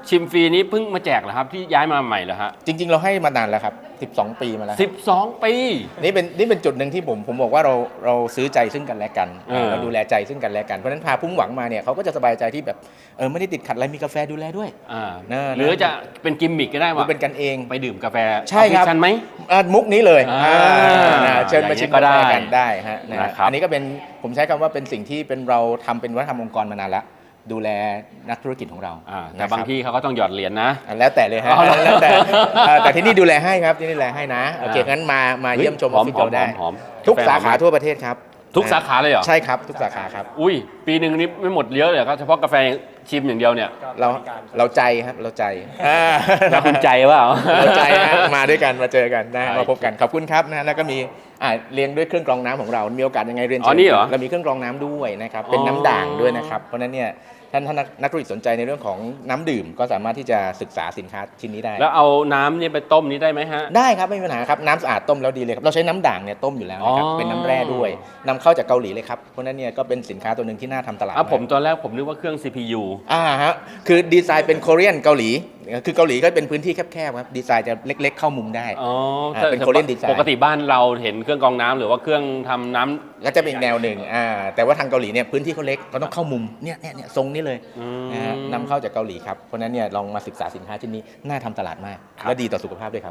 [SPEAKER 1] ชิมฟรีนี้เพิ่งมาแจกเหรอครับที่ย้ายมาใหม่เหรอฮะ
[SPEAKER 3] จริง ๆ เราให้มานานแล้วครับสิบสองปีมาแล้ว
[SPEAKER 1] สิบสองปี
[SPEAKER 3] นี่เป็นนี่เป็นจุดหนึ่งที่ผมผมบอกว่าเราเราซื้อใจซึ่งกันและกัน
[SPEAKER 1] เออ
[SPEAKER 3] เราดูแลใจซึ่งกันและกันเพราะฉะนั้นพาพุ่งหวังมาเนี่ยเขาก็จะสบายใจที่แบบเออไม่ได้ติดขัดอะไรมีกาแฟดูแลด้วย
[SPEAKER 1] อ่า
[SPEAKER 3] นะ
[SPEAKER 1] หรือจะเป็นกิมมิกก็ได้
[SPEAKER 3] ดู
[SPEAKER 1] ว่า
[SPEAKER 3] เป็นกันเอง
[SPEAKER 1] ไปดื่มกาแฟ
[SPEAKER 3] ใช่ครับ
[SPEAKER 1] ออฟฟิศฉันไหม
[SPEAKER 3] อ่ะมุกนี้เลย
[SPEAKER 1] อ่า
[SPEAKER 3] อ่านะเชิญมา
[SPEAKER 1] อย่างนี้
[SPEAKER 3] ชิม
[SPEAKER 1] ก็
[SPEAKER 3] กา
[SPEAKER 1] ได้
[SPEAKER 3] แฟกันได้ฮะนะ
[SPEAKER 1] นะครับ
[SPEAKER 3] อันนี้ก็เป็นผมใช้คำว่าเป็นสิ่งที่เป็นเราทำเป็นวัฒนธรรมองค์กรมานานแล้วดูแลนักธุรกิจของเรา
[SPEAKER 1] อ่าแต่
[SPEAKER 3] นะครับ
[SPEAKER 1] บางที่เขาก็ต้องหยอดเหรียญนะ
[SPEAKER 3] อ่ะแล้วแต่เลยฮะ
[SPEAKER 1] อ๋อเหรอ
[SPEAKER 3] แล้วแต่เอ่อแต่ที่นี่ดูแลให้ครับที่นี่ดูแลให้นะโอเค
[SPEAKER 1] อ่างั้
[SPEAKER 3] งั้นมามา
[SPEAKER 1] เฮ้ย
[SPEAKER 3] เยี่ยมชมอ
[SPEAKER 1] ห
[SPEAKER 3] อ
[SPEAKER 1] อ
[SPEAKER 3] ฟ
[SPEAKER 1] ม
[SPEAKER 3] ฟิศเราได้
[SPEAKER 1] หอมหอม
[SPEAKER 3] ทุก
[SPEAKER 1] กาแฟ
[SPEAKER 3] สาขา
[SPEAKER 1] หอม
[SPEAKER 3] ทั่วประเทศครับ
[SPEAKER 1] ทุกสาขาเลยเหรอ
[SPEAKER 3] ใช่ครับทุกสาขาครับ
[SPEAKER 1] อุ้ยปีหนึ่งนี้ไม่หมดเยอะเลยครับเฉพาะกาแฟชิมอย่างเดียวเนี่ย
[SPEAKER 3] เราเราใจครับเราใจอ่า
[SPEAKER 1] แล้วคุณใจเปล่า
[SPEAKER 3] เราใจฮะมาด้วยกันมาเจอกันนะ
[SPEAKER 1] ใช่
[SPEAKER 3] มาพบกันขอบคุณครับนะแล้วก็มีอ่าเลี้ยงด้วยเครื่องกรองน้ำของเรา มีโอกาสยังไงเรียน
[SPEAKER 1] อ๋อ
[SPEAKER 3] เชิญ
[SPEAKER 1] นี่เหรอ
[SPEAKER 3] เรามีเครื่องกรองน้ำด้วยนะครับเป็น
[SPEAKER 1] อ๋อ
[SPEAKER 3] น้ำด่างด้วยนะครับเพราะฉะนั้นเนี่ยท่านท่านนักนักธุรกิจสนใจในเรื่องของน้ำดื่มก็สามารถที่จะศึกษาสินค้าชิ้นนี้ได้
[SPEAKER 1] แล้วเอาน้ำเนี่ยไปต้มนี้ได้ไหมฮะ
[SPEAKER 3] ได้ครับไม่มีปัญหาครับน้ำสะอาดต้มแล้วดีเลยครับเราใช้น้ำด่างเนี่ยต้มอยู่แล้วนะครับ
[SPEAKER 1] อ๋อ
[SPEAKER 3] เป็นน้ำแร่ด้วยนำเข้าจากเกาหลีเลยครับเพราะฉะนั้นเนี่ยก็เป็นสินค้าตัวหนึ่งที่น่าทำตลาด
[SPEAKER 1] อ่ะผม
[SPEAKER 3] าก
[SPEAKER 1] ตอนแรกผมนึกว่าเครื่อง ซี พี ยู
[SPEAKER 3] อ่าฮะคือดีไซน์เป็น Korean เกาหลีคือเกาหลีก็เป็นพื้นที่แคบๆครับดีไซน์จะเล็ก ๆ เข้ามุมได้
[SPEAKER 1] อ๋อ
[SPEAKER 3] อ่าเป็น Korean design
[SPEAKER 1] ปกติบ้านเราเห็นเครื่องกรองน้ำหรือว่าเครื่องทำน้ำ
[SPEAKER 3] ก็จะเป็นอีกแนวหนึ่งอ่าแต่ว่าทางเกาหลีเนี่ยพื้นที่เขาเล็กเขาต้องเข้ามุมเนี่ยเนี่ยเนี่ยทรงนี้เลย
[SPEAKER 1] อืม
[SPEAKER 3] นะฮะนำเข้าจากเกาหลีครับเพราะฉะนั้นเนี่ยลองมาศึกษาสินค้าชิ้นนี้น่าทำตลาดมาก
[SPEAKER 1] ครับ
[SPEAKER 3] และดีต่อสุขภาพด้วยครับ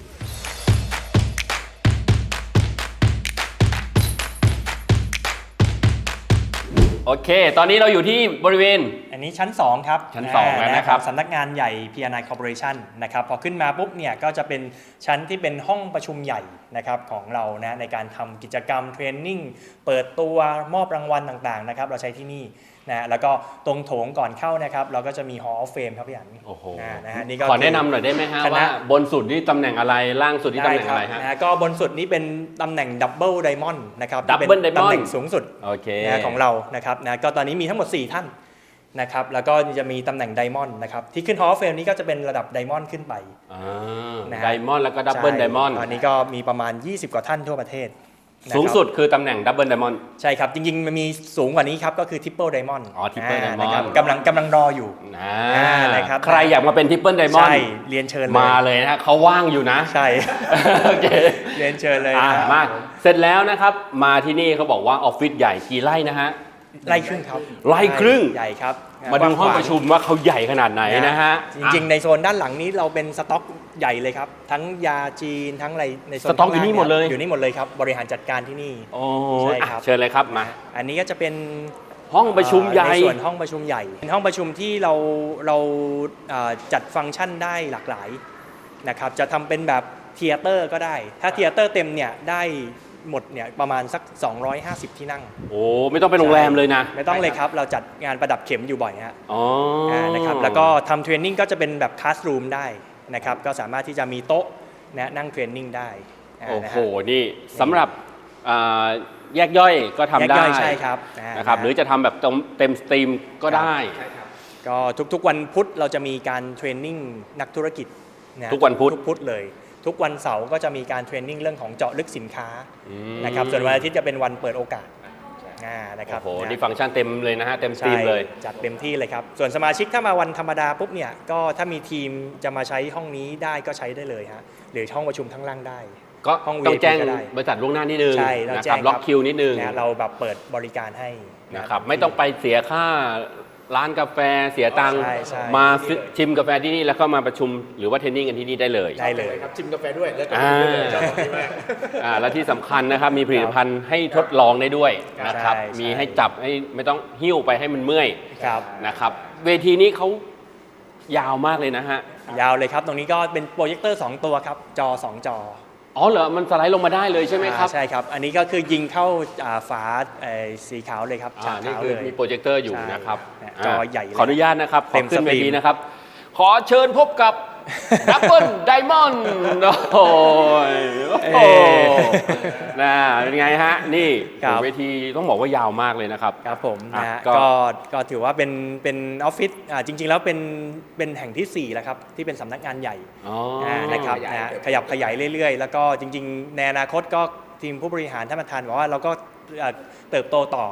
[SPEAKER 1] โอเค ตอนนี้เราอยู่ที่บริเวณ
[SPEAKER 2] อันนี้ชั้น สอง ครับ
[SPEAKER 1] ชั้นสองแล้วนะครับ
[SPEAKER 2] สำนักงานใหญ่ พี อาร์ ไน Corporation นะครับพอขึ้นมาปุ๊บเนี่ยก็จะเป็นชั้นที่เป็นห้องประชุมใหญ่นะครับของเรานะในการทำกิจกรรมเทรนนิ่งเปิดตัวมอบรางวัลต่างๆนะครับเราใช้ที่นี่นะแล้วก็ตรงโถงก่อนเข้านะครับเราก็จะมี Hall of Fame ครับพี่อัน
[SPEAKER 1] โอ้โห
[SPEAKER 2] นะนะฮะนี่ก็
[SPEAKER 1] ขอแนะนำหน่อยได้ไหมฮะ
[SPEAKER 2] คณะ
[SPEAKER 1] ว่าบนสุดนี่ตำแหน่งอะไรล่างสุดนี่ตำแหน่งอะไรฮะ
[SPEAKER 2] นะก็บนสุดนี้เป็นตำแหน่งดับเบิลไดมอนด์นะครับ
[SPEAKER 1] Double
[SPEAKER 2] ที่เป็น
[SPEAKER 1] Diamond
[SPEAKER 2] ตำแหน่งสูงสุด
[SPEAKER 1] โอเค
[SPEAKER 2] นะของเรานะครับนะก็ตอนนี้มีทั้งหมด สี่ ท่านนะครับแล้วก็จะมีตำแหน่งไดมอนด์นะครับที่ขึ้น Hall of Fame นี้ก็จะเป็นระดับไดมอนด์ขึ้นไป
[SPEAKER 1] อ่า
[SPEAKER 2] นะฮะ
[SPEAKER 1] ไดมอนด์แล้วก็ดับเบิล
[SPEAKER 2] ใช่
[SPEAKER 1] ไดมอนด์
[SPEAKER 2] ตอนนี้ก็มีประมาณ ยี่สิบ กว่าท่านทั่วประเทศนะครับ
[SPEAKER 1] สูงสุดคือตำแหน่งดับเบิลไดมอนด์
[SPEAKER 2] ใช่ครับ จริงๆ มันมีสูงกว่านี้ครับ ก็คือ Triple Diamond
[SPEAKER 1] อ๋อ Triple Diamond
[SPEAKER 2] นะครับกำลังกำลังรออยู่
[SPEAKER 1] อ่า
[SPEAKER 2] อ่านะครับ
[SPEAKER 1] ใครอยากมาเป็นทริปเปิลไดมอน
[SPEAKER 2] ใช่
[SPEAKER 1] ด์
[SPEAKER 2] เรียนเชิญเลย
[SPEAKER 1] มาเลยนะฮะเขาว่างอยู่นะ
[SPEAKER 2] ใช่
[SPEAKER 1] โอเค
[SPEAKER 2] เรียนเชิญเลย
[SPEAKER 1] อ่า
[SPEAKER 2] นะ
[SPEAKER 1] มาเสร็จแล้วนะครับ มาที่นี่เขาบอกว่าออฟฟิศใหญ่กี่ไร่นะฮะ
[SPEAKER 2] ไล่ครึ่งครับ
[SPEAKER 1] ไร่ครึ่ง
[SPEAKER 2] ใหญ่ครับ
[SPEAKER 1] มาดูห้องประชุมว่าเขาใหญ่ขนาดไหนนะฮะ
[SPEAKER 2] จริงๆ ในโซนด้านหลังนี้เราเป็นสต็อกใหญ่เลยครับ ทั้งยาจีนทั้งอะไรในโซน
[SPEAKER 1] สต็อกอยู่นี่หมดเลย
[SPEAKER 2] อยู่นี่หมดเลยครับ บริหารจัดการที่นี่
[SPEAKER 1] โอ้
[SPEAKER 2] ใช่
[SPEAKER 1] ย
[SPEAKER 2] ครับ
[SPEAKER 1] อ่ะเชิญเลยครับมา
[SPEAKER 2] อันนี้ก็จะเป็น
[SPEAKER 1] ห้องประชุมใหญ่
[SPEAKER 2] ในส่วนห้องประชุมใหญ่เป็นห้องประชุมที่เราเราเอ่อจัดฟังก์ชันได้หลากหลายนะครับจะทำเป็นแบบเทเตอร์ก็ได้ ถ้าเทเตอร์เต็มเนี่ยได้หมดเนี่ยประมาณสัก สองร้อยห้าสิบ ที่นั่ง
[SPEAKER 1] โอ้ไม่ต้องเป็นโรงแรมเลยนะ
[SPEAKER 2] ไม่ต้องเลยครับเราจัดงานประดับเข็มอยู่บ่อยฮะ
[SPEAKER 1] อ๋ออา
[SPEAKER 2] นะครับแล้วก็ทำเทรนนิ่งก็จะเป็นแบบคลาสรูมได้นะครับก็สามารถที่จะมีโต๊ะนะนั่งเทรนนิ่งได้า
[SPEAKER 1] โอ้
[SPEAKER 2] นะ
[SPEAKER 1] โห
[SPEAKER 2] ฮะ
[SPEAKER 1] นี่สำหรับอ่าแยกย่อยก็ทำ
[SPEAKER 2] แยก
[SPEAKER 1] ได้
[SPEAKER 2] ย่อยใช่ครับา
[SPEAKER 1] นะครับหรือจะทำแบบเต็มสตรีมก็ได้
[SPEAKER 2] ก็ทุกๆวันพุธเราจะมีการเทรนนิ่งนักธุรกิจะ
[SPEAKER 1] ทุกวันพุธ
[SPEAKER 2] ทุกพุธเลย ทุกวันเสาร์ก็จะมีการเทรนนิ่งเรื่องของเจาะลึกสินค้า
[SPEAKER 1] อืม
[SPEAKER 2] นะครับส่วนวันอาทิตย์จะเป็นวันเปิดโอกาสอ่านะครับ
[SPEAKER 1] โอ้โห
[SPEAKER 2] นะ
[SPEAKER 1] นี่ฟังก์ชันเต็มเลยนะฮะเต็มสตรี
[SPEAKER 2] ใช่
[SPEAKER 1] มเลย
[SPEAKER 2] จัดเต็มที่เลยครับ ส่วนสมาชิกถ้ามาวันธรรมดาปุ๊บเนี่ยก็ถ้ามีทีมจะมาใช้ห้องนี้ได้ก็ใช้ได้เลยฮะหรือห้องประชุมทั้งล่างได้
[SPEAKER 1] ก็
[SPEAKER 2] ห้อง
[SPEAKER 1] ต้อง
[SPEAKER 2] วี ไอ พี
[SPEAKER 1] แจ้ง
[SPEAKER 2] ก็ได้
[SPEAKER 1] บริษัทล่วงหน้านิดนึง
[SPEAKER 2] ใช่เรา
[SPEAKER 1] นะ
[SPEAKER 2] แจ้
[SPEAKER 1] ครับ
[SPEAKER 2] ง
[SPEAKER 1] ล็อกคิวนิดนึง
[SPEAKER 2] นะเราแบบเปิดบริการให้
[SPEAKER 1] นะครับไม่ต้องไปเสียค่าร้านกาแฟเสียตังค์
[SPEAKER 2] ใช่ใช่
[SPEAKER 1] มาซื้อชิมกาแฟที่นี่แล้วก็มาประชุมหรือว่าเทรนนิ่งกันที่นี่ได้เลย
[SPEAKER 2] ได้เลย
[SPEAKER 3] ครับชิมกาแฟด้วยแล้วก็
[SPEAKER 1] อ่า
[SPEAKER 3] ดื่มด้วยเลยชอบแบบนี้มาก
[SPEAKER 1] อ่าและที่สำคัญนะครับมีผลิตภัณฑ์ให้ทดลองได้ด้วยนะครับ
[SPEAKER 2] ใช่ใช่
[SPEAKER 1] มีให้จับให้ไม่ต้องหิ้วไปให้มันเมื่อย
[SPEAKER 2] ครับ
[SPEAKER 1] นะครับเวทีนี้เขายาวมากเลยนะฮะ
[SPEAKER 2] ยาวเลยครับ ตรงนี้ก็เป็นโปรเจคเตอร์สองตัวครับจอสองจอ
[SPEAKER 1] อ๋อเหรอมันสไลด์ลงมาได้เลยใช่ไหมครับ
[SPEAKER 2] อ่าใช่ครับ อันนี้ก็คือยิงเข้าอ่าฝาเอ่อสีขาวเลยครับ
[SPEAKER 1] อ่า
[SPEAKER 2] ฉาก
[SPEAKER 1] นี่
[SPEAKER 2] ขาว
[SPEAKER 1] คือ
[SPEAKER 2] เลย
[SPEAKER 1] มีโปรเจคเตอร์อยู่
[SPEAKER 2] ใช่
[SPEAKER 1] นะครับ
[SPEAKER 2] เนี่ย
[SPEAKER 1] า
[SPEAKER 2] จอใหญ่เลย
[SPEAKER 1] ขออนุญาตนะครับข
[SPEAKER 2] เต็
[SPEAKER 1] อ
[SPEAKER 2] ม
[SPEAKER 1] ขึ้น
[SPEAKER 2] ส
[SPEAKER 1] เว
[SPEAKER 2] ตรีม
[SPEAKER 1] ทีนะครับ ขอเชิญพบกับ ดับเบิลไดมอนด์โอ้ยโอ้โหนะเป็นไงฮะ นี่
[SPEAKER 2] ครับ
[SPEAKER 1] เวทีต้องบอกว่ายาวมากเลยนะครับ
[SPEAKER 2] ครับผม
[SPEAKER 1] อ่ะ
[SPEAKER 2] นะฮะ
[SPEAKER 1] ก็
[SPEAKER 2] ก็ก็ถือว่าเป็นเป็นออฟฟิศอ่าจริง ๆ แล้วเป็นเป็นแห่งที่สี่แล้วครับที่เป็นสำนักงานใหญ่
[SPEAKER 1] อ๋อ
[SPEAKER 2] อ่านะครับ
[SPEAKER 3] ขยาย
[SPEAKER 2] นะขยับขยายเรื่อยๆ แล้วก็จริง ๆ ในอนาคตก็ทีมผู้บริหารท่านประธานบอกว่าเราก็เอ่อเติบโตต่อ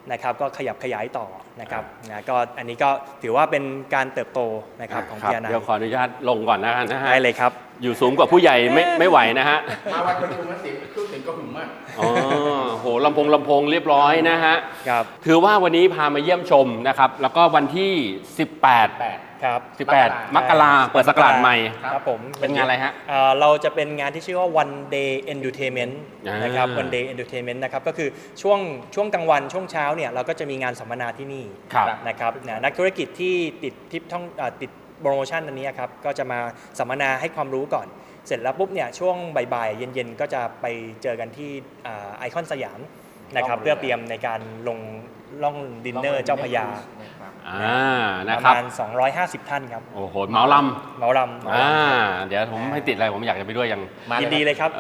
[SPEAKER 2] นะครับก็ขยับขยายต่อนะครับนะก็อันนี้ก็ถือว่าเป็นการเติบโตนะครับของ
[SPEAKER 1] ครั
[SPEAKER 2] พี
[SPEAKER 1] บ
[SPEAKER 2] อาร์ ไน
[SPEAKER 1] เดี๋ยวขออนุญาตลงก่อนนะนะฮะ
[SPEAKER 2] ได้เลยครับ
[SPEAKER 1] อยู่สูงกว่าผู้ใหญ่ไม่ไม่ไหวนะฮะ
[SPEAKER 3] มาวันประชุมแล้วเสียงเครื่องเสียงก็หึงมาก
[SPEAKER 1] อ๋อโหลำโพงลำโพงเรียบร้อยนะฮะ
[SPEAKER 2] ครับ
[SPEAKER 1] ถือว่าวันนี้พามาเยี่ยมชมนะครับแล้วก็วันที่ สิบแปด
[SPEAKER 3] แปด
[SPEAKER 2] ครับ
[SPEAKER 1] สิบแปด มกราเปิดศักราชใหม่
[SPEAKER 2] ครับผม
[SPEAKER 1] เป็นงานอะไรฮะ
[SPEAKER 2] เอ่อเราจะเป็นงานที่ชื่อว่า one day entertainment
[SPEAKER 1] อ่าน
[SPEAKER 2] นะครับ one day entertainment นะครับก็คือช่วงช่วงกลางวันช่วงเช้าเนี่ยเราก็จะมีงานสัมมนาที่นี่
[SPEAKER 1] ครับ
[SPEAKER 2] นะครับนะนักธุรกิจที่ติดทิปท่องเอ่อติดโปรโมชั่นอันนี้ครับก็จะมาสัมมนาให้ความรู้ก่อน เสร็จแล้วปุ๊บเนี่ยช่วงบ่ายๆเย็นๆก็จะไปเจอกันที่ไอคอนสยามนะครับ
[SPEAKER 3] ล่องเรือ
[SPEAKER 2] เพื่อเตรียมในการลงล่องดินเนอร์เจ้าพระยา
[SPEAKER 1] อ่า
[SPEAKER 2] ป
[SPEAKER 1] นะ
[SPEAKER 2] ระ
[SPEAKER 1] ครับ
[SPEAKER 2] มาณสองร้อยห้าสิบท่านครับ
[SPEAKER 1] โอ้โหเหมาล
[SPEAKER 2] เหมาลำ
[SPEAKER 1] ำอ่าเดี๋ยวผมไม่ติดอะไรผมอยากจะไปด้วยยัง
[SPEAKER 3] มาเลย
[SPEAKER 2] ยินดีเลยครับ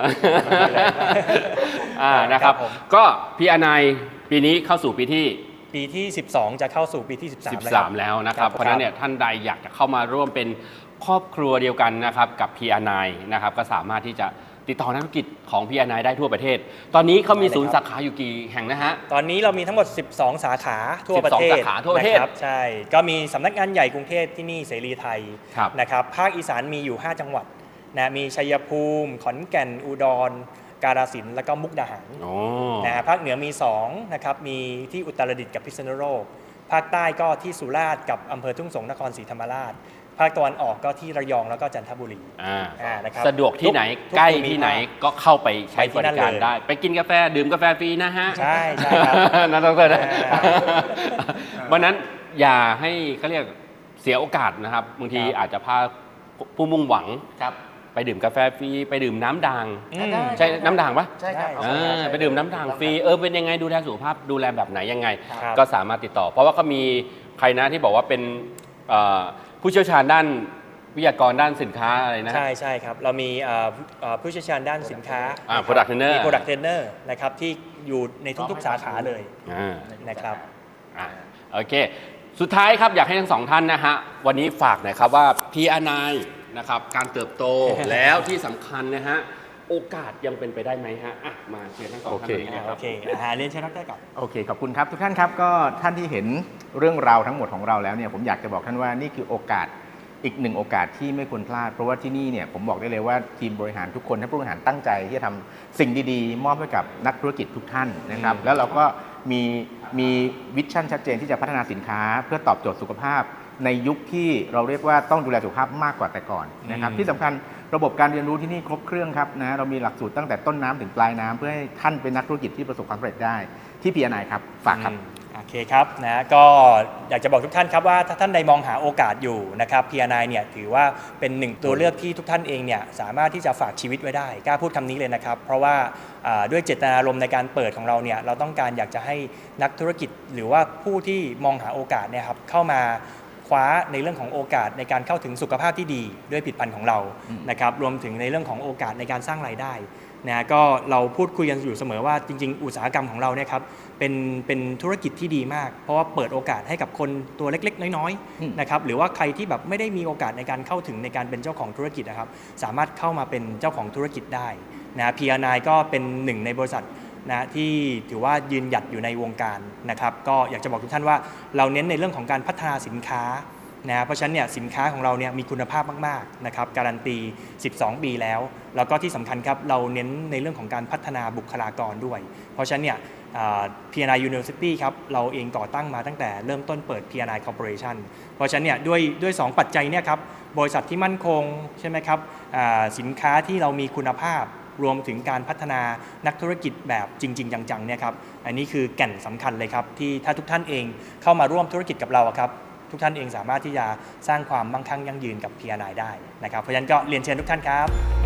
[SPEAKER 1] อ่านะครับ
[SPEAKER 2] ครับผม
[SPEAKER 1] ก็พี่อนายปีนี้เข้าสู่ปีที่
[SPEAKER 2] ปีที่ สิบสอง จะเข้าสู่ปีที่ สิบสาม
[SPEAKER 1] สิบสาม แล้วนะครับ เพราะฉะนั้นเนี่ยท่านใดอยากจะเข้ามาร่วมเป็นครอบครัวเดียวกันนะครับกับ พี อาร์ ไนน์ นะครับก็สามารถที่จะติดต่อนักธุรกิจของ พี อาร์ ไนน์ ได้ทั่วประเทศ ตอนนี้เขามีศูนย์สาขาอยู่กี่แห่งนะฮะ
[SPEAKER 2] ตอนนี้เรามีทั้งหมด สิบสอง สาขาทั่วประเทศ
[SPEAKER 1] สิบสองสาขาทั่วประเทศ
[SPEAKER 2] นคบใช่ ก็มีสำนักงานใหญ่กรุงเทพที่นี่เสรีไทย
[SPEAKER 1] ครับ
[SPEAKER 2] นะครับภาคอีสานมีอยู่ ห้า จังหวัดนะมีชัยภูมิ ขอนแก่นอุดร กาฬสินธุ์แล้วก็มุกดาหาร
[SPEAKER 1] โอ้
[SPEAKER 2] นะฮะภาคเหนือมีสองนะครับมีที่อุตรดิตถ์กับพิษณุโลกภาคใต้ก็ที่สุราษฎร์กับอำเภอทุ่งสงศ์นครศรีธรรมราช ภาคตะวันออกก็ที่ระยองแล้วก็จันทบุรี
[SPEAKER 1] อ่า
[SPEAKER 2] อ่านะครับ
[SPEAKER 1] สะดวกที่ไหน
[SPEAKER 2] ทุก
[SPEAKER 1] ใกล้
[SPEAKER 2] ภูมิ
[SPEAKER 1] ที่ไหน
[SPEAKER 2] ภาค
[SPEAKER 1] ก็เข้าไปใช้
[SPEAKER 2] ไปที่
[SPEAKER 1] บ
[SPEAKER 2] นั่
[SPEAKER 1] ริ
[SPEAKER 2] น
[SPEAKER 1] การ
[SPEAKER 2] เลย
[SPEAKER 1] ได้ ไปกินกาแฟดื่มกาแฟฟรีนะฮะ
[SPEAKER 2] ใช่ใช่ครับ
[SPEAKER 1] นะดรนะ
[SPEAKER 2] อ่า
[SPEAKER 1] วันนั้นอย่าให้เขาเรียกเสียโอกาสนะครับบางที
[SPEAKER 2] ครับ
[SPEAKER 1] อาจจะพาผู้มุ่งหวัง
[SPEAKER 3] ครับ
[SPEAKER 1] ไปดื่มกาแฟฟรีไปดื่มน้ำด่าง
[SPEAKER 2] อืม
[SPEAKER 1] ใช่น้ำด่างปะ
[SPEAKER 3] ใช่ครับ
[SPEAKER 2] ได้
[SPEAKER 1] อ่าไปดื่มน้ำด่างฟรีเออเป็นยังไงดูแลสุขภาพดูแลแบบไหนยังไง
[SPEAKER 2] ครับ
[SPEAKER 1] ก็สามารถติดต่อ เพราะว่าเขามีใครนะที่บอกว่าเป็นเอ่อผู้เชี่ยวชาญด้านวิทยากรด้านสินค้าอะไรนะ
[SPEAKER 2] ใช่ใช่ครับ เรามีเอ่อเอ่อผู้เชี่ยวชาญด้านสินค้า
[SPEAKER 1] อ่า product trainer
[SPEAKER 2] มี product trainer นะครับที่อยู่ในทุกๆ สาขาเลย
[SPEAKER 1] อ่า
[SPEAKER 2] นะครับ
[SPEAKER 1] อ่ะโอเค สุดท้ายครับอยากให้ทั้งสองท่านนะฮะวันนี้ฝากหน่อยครับว่า พี อาร์ ไนน์ นะครับการเติบโต แล้วที่สำคัญนะฮะโอกาสยังเป็นไปได้ไหมฮะอ่ะมาเชิญทั้งสองท่านนี้นะค
[SPEAKER 2] โอ
[SPEAKER 1] รับ
[SPEAKER 2] เคอาหารเรียนเชิญดรก่อน
[SPEAKER 3] โอเค ขอบคุณครับ ทุกท่านครับก็ท่านที่เห็นเรื่องราวทั้งหมดของเราแล้วเนี่ยผมอยากจะบอกท่านว่านี่คือโอกาสอีกหนึ่งโอกาสที่ไม่ควรพลาด เพราะว่าที่นี่เนี่ยผมบอกได้เลยว่าทีมบริหารทุกคนท่านผู้บริหารตั้งใจที่จะทำสิ่งดีๆ มอบให้กับนักธุรกิจทุกท่านนะครับแล้วเราก็มีมีวิชั่นชัดเจนที่จะพัฒนาสินค้า เพื่อตอบโจทย์สุขภาพ ในยุคที่เราเรียกว่าต้องดูแลสุขภาพมากกว่าแต่ก่อนนะครับ
[SPEAKER 2] อืม
[SPEAKER 3] ที่สำคัญระบบการเรียนรู้ที่นี่ครบเครื่องครับนะเรามีหลักสูตรตั้งแต่ต้นน้ำถึงปลายน้ำเพื่อให้ท่านเป็นนักธุรกิจที่ประสบความสำเร็จได้ที่ พี อาร์ ไนน์ ครับฝากครับ
[SPEAKER 2] อืมโอเคครับนะก็อยากจะบอกทุกท่านครับว่าถ้าท่านใดมองหาโอกาสอยู่นะครับ พี อาร์ ไนน์ เนี่ยถือว่าเป็นหนึ่งตัวเลือกที่ทุกท่านเองเนี่ยสามารถที่จะฝากชีวิตไว้ได้กล้าพูดคำนี้เลยนะครับ เพราะว่าอ่าด้วยเจตนารมณ์ในการเปิดของเราเนี่ยเราต้องการอยากจะให้นักธุรกิจ หรือว่าผู้ที่มองหาโอกาสเนี่ยครับเข้ามาคว้าในเรื่องของโอกาสในการเข้าถึงสุขภาพที่ดีด้วยผลิตภัณฑ์ของเรานะครับรวมถึงในเรื่องของโอกาสในการสร้างรายได้นะก็เราพูดคุยกันอยู่เสมอว่าจริงๆ อุตสาหกรรมของเราเนี่ยครับเป็นเป็นธุรกิจที่ดีมาก เพราะว่าเปิดโอกาสให้กับคนตัวเล็กๆ น้อย
[SPEAKER 3] อืม
[SPEAKER 2] ๆนะครับหรือว่าใครที่แบบไม่ได้มีโอกาสในการเข้าถึงในการเป็นเจ้าของธุรกิจนะครับสามารถเข้ามาเป็นเจ้าของธุรกิจได้นะ พี อาร์ ไนน์ ก็เป็นหนึ่งในบริษัทนะที่ถือว่ายืนหยัดอยู่ในวงการนะครับก็อยากจะบอกทุกท่านว่าเราเน้นในเรื่องของการพัฒนาสินค้านะเพราะฉะนั้นเนี่ยสินค้าของเราเนี่ยมีคุณภาพมากๆนะครับการันตีสิบสองปีแล้วแล้วก็ที่สำคัญครับเราเน้นในเรื่องของการพัฒนาบุคลากรด้วย เพราะฉะนั้นเนี่ย พี อาร์ ไนน์ University ครับเราเองก่อตั้งมาตั้งแต่เริ่มต้นเปิด พี อาร์ ไนน์ Corporation เพราะฉะนั้นเนี่ยด้วยด้วยสองปัจจัยเนี่ยครับบริษัทที่มั่นคงใช่ไหมครับอ่าสินค้าที่เรามีคุณภาพรวมถึงการพัฒนานักธุรกิจแบบจริง ๆ จังๆเนี่ยครับอันนี้คือแก่นสำคัญเลยครับที่ถ้าทุกท่านเองเข้ามาร่วมธุรกิจกับเราอะครับทุกท่านเองสามารถที่จะสร้างความมั่งคั่งยั่งยืนกับ พี อาร์ ไนน์ ได้นะครับเพราะฉะนั้นก็เรียนเชิญทุกท่านครับ